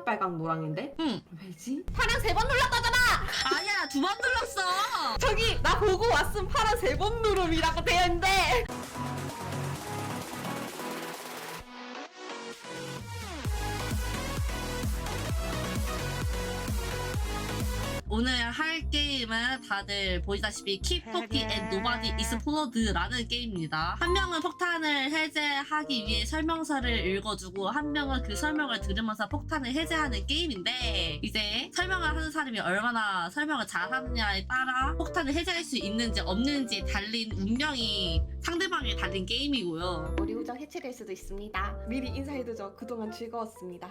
빨강 노랑인데? 응. 왜지? 파랑 3번 눌렀다잖아! 아니야, 2번 눌렀어. 저기 나 보고 왔음 파랑 3번 누름이라고 되어있는데. 오늘 할 게임은 다들 보시다시피 Keep Talking and Nobody Explode라는 게임입니다. 한 명은 폭탄을 해제하기 위해 설명서를 읽어주고 한 명은 그 설명을 들으면서 폭탄을 해제하는 게임인데, 이제 설명을 하는 사람이 얼마나 설명을 잘하느냐에 따라 폭탄을 해제할 수 있는지 없는지 달린 운명이 상대방에 달린 게임이고요. 우리 우정 해체될 수도 있습니다. 미리 인사해두죠. 그동안 즐거웠습니다.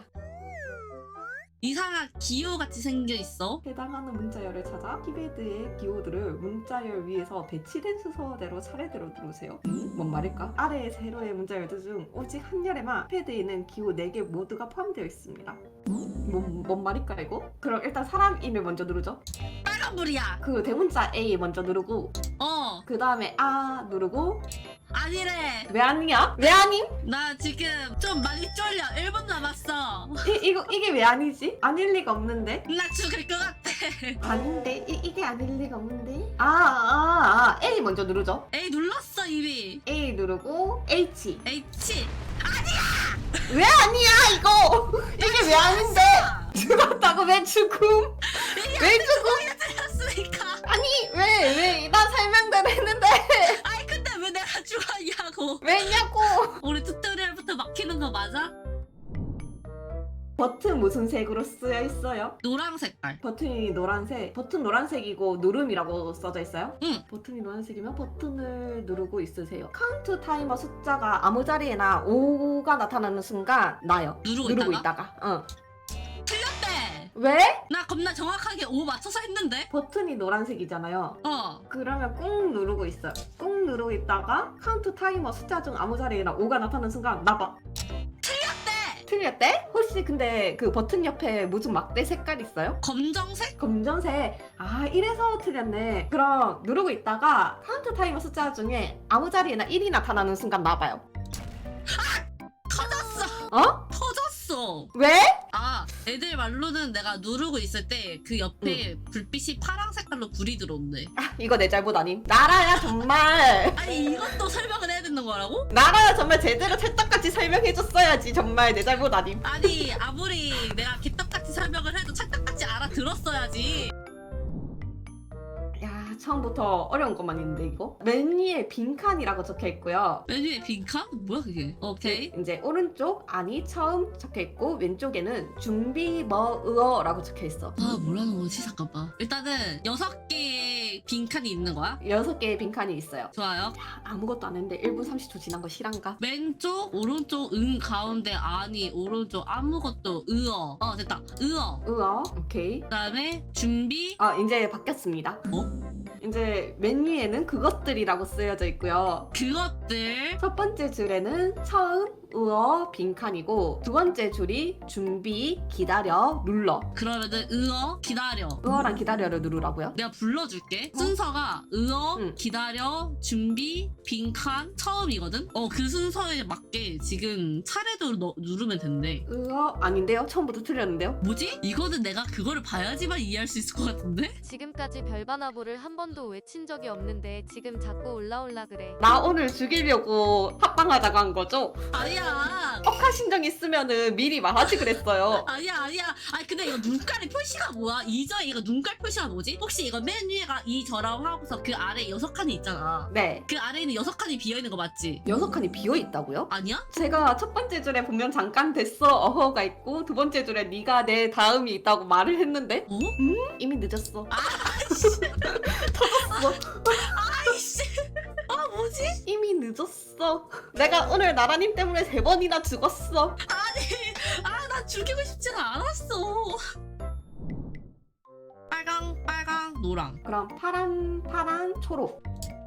이상한 기호같이 생겨있어. 해당하는 문자열을 찾아 키패드의 기호들을 문자열 위에서 배치된 순서대로 차례대로 누르세요. 뭔 말일까? 아래의 세로의 문자열들 중 오직 한 열에만 패드에 있는 기호 4개 모두가 포함되어 있습니다. 뭔 말일까 이거? 그럼 일단 사람 이름을 먼저 누르죠. 빨간불이야. 그 대문자 A 먼저 누르고 그 다음에 아 누르고. 아니래. 왜 아니야? 왜 아님? 나 지금 좀 많이 쫄려. 1분 남았어. 이게 왜 아니지? 아닐 리가 없는데? 나 죽을 것 같아. 아닌데? 이게 아닐 리가 없는데? A 먼저 누르죠. A 눌렀어 이미. A 누르고 H. H. 왜 아니야 이거? 이게 왜 아닌데? 죽었다고 왜 죽음? 왜 죽음? 틀렸으니까. 아니 왜 나 설명대로 했는데 아이 근데 왜 내가 죽었냐고. 왜냐고? 우리 튜토리얼부터 막히는 거 맞아? 버튼 무슨 색으로 쓰여 있어요? 노랑 색깔. 버튼이 노란색. 버튼 노란색이고 누름이라고 써져 있어요? 응. 버튼이 노란색이면 버튼을 누르고 있으세요. 카운트 타이머 숫자가 아무 자리에나 5가 나타나는 순간 나요. 누르고 있다가. 틀렸대. 왜? 나 겁나 정확하게 5 맞춰서 했는데. 버튼이 노란색이잖아요. 그러면 꾹 누르고 있어요. 꾹 누르고 있다가 카운트 타이머 숫자 중 아무 자리에나 5가 나타나는 순간 나봐. 틀렸대? 혹시 근데 그 버튼 옆에 무슨 막대 색깔 있어요? 검정색? 검정색. 아 이래서 틀렸네. 그럼 누르고 있다가 카운트 타이머 숫자 중에 아무 자리에나 1이 나타나는 순간 나봐요. 터졌어. 터졌어. 왜? 애들 말로는 내가 누르고 있을 때 그 옆에 불빛이 파란 색깔로 불이 들어온대. 이거 내 잘못 아님? 나라야 정말. 아니 이것도 설명을 해야 되는 거라고? 나라야 정말 제대로 찰떡같이 설명해줬어야지. 정말 내 잘못 아님? 아니 아무리 내가 개떡같이 설명을 해도 찰떡같이 알아들었어야지. 야 처음부터 어려운 것만 있는데 이거? 맨 위에 빈칸이라고 적혀있고요. 메뉴에 빈칸? 뭐야 그게? 오케이. 이제 오른쪽 아니 처음 적혀있고 왼쪽에는 준비 뭐으어라고 적혀있어. 뭐라는 거지? 잠깐만. 일단은 6개의 빈칸이 있는 거야? 6개의 빈칸이 있어요. 좋아요. 아무것도 안 했는데 1분 30초 지난 거 실한가? 왼쪽, 오른쪽, 가운데, 아니, 오른쪽, 아무것도, 됐다. 으어 오케이. 그 다음에, 준비. 이제 바뀌었습니다. 뭐? 이제 맨 위에는 그것들이라고 쓰여져 있고요. 그것들. 첫 번째 줄에는 처음, 으어, 빈칸이고 두 번째 줄이 준비, 기다려, 눌러. 그러면은, 기다려. 으어랑 기다려를 누르라고요? 내가 불러줄게. 순서가, 기다려, 준비, 빈칸, 처음이거든? 그 순서에 맞게 지금 차례대로 누르면 된대. 으어 아닌데요? 처음부터 틀렸는데요? 뭐지? 이거는 내가 그거를 봐야지만 이해할 수 있을 것 같은데? 지금까지 별바나보를 한 번도 외친 적이 없는데 지금 자꾸 올라올라 그래. 나 오늘 죽이려고 합방하자고 한 거죠? 아니야. 억하 신경 있으면은 미리 말하지 그랬어요. 아니야. 아니 근데 이거 눈깔의 표시가 뭐야? 이저에 이거 눈깔 표시가 뭐지? 혹시 이거 맨 위에가 이저라고 하고서 그 아래 6칸이 있잖아. 네. 그 아래에는 6칸이 비어있는 거 맞지? 6칸이 비어있다고요? 아니야? 제가 첫 번째 줄에 보면 잠깐 됐어 어허가 있고 두 번째 줄에 네가 내 다음이 있다고 말을 했는데 이미 늦었어. 아이씨. 뭐지? 이미 늦었어. 내가 오늘 나라님 때문에 3번이나 죽었어. 나 죽이고 싶지가 않았어. 빨강, 노랑. 그럼 파란, 초록.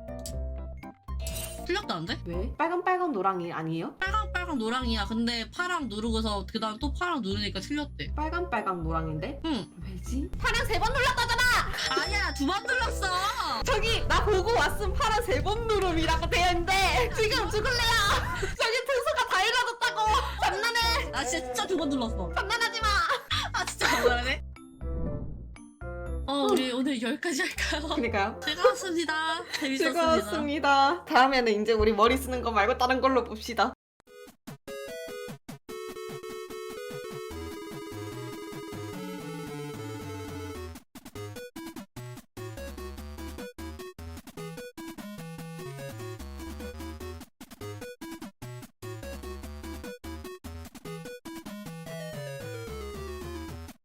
틀렸다는데? 왜? 빨간, 노랑이 아니에요? 빨강, 노랑이야. 근데 파랑 누르고서 그 다음 또 파랑 누르니까 틀렸대. 빨간, 노랑인데? 응. 왜지? 파랑 3번 눌렀다잖아! 아니야, 2번 눌렀어. 저기 나 보고 왔음 파란 3번 누름이라고 되어있는데 지금 죽을래요. 저기 등수가 다 읽어졌다고. 장난해. 나 진짜 2번 눌렀어. 장난하지마. 오늘 여기까지 할까요? 그러니까요. 즐거웠습니다. 재밌었습니다. 즐거웠습니다. 다음에는 이제 우리 머리 쓰는 거 말고 다른 걸로 봅시다.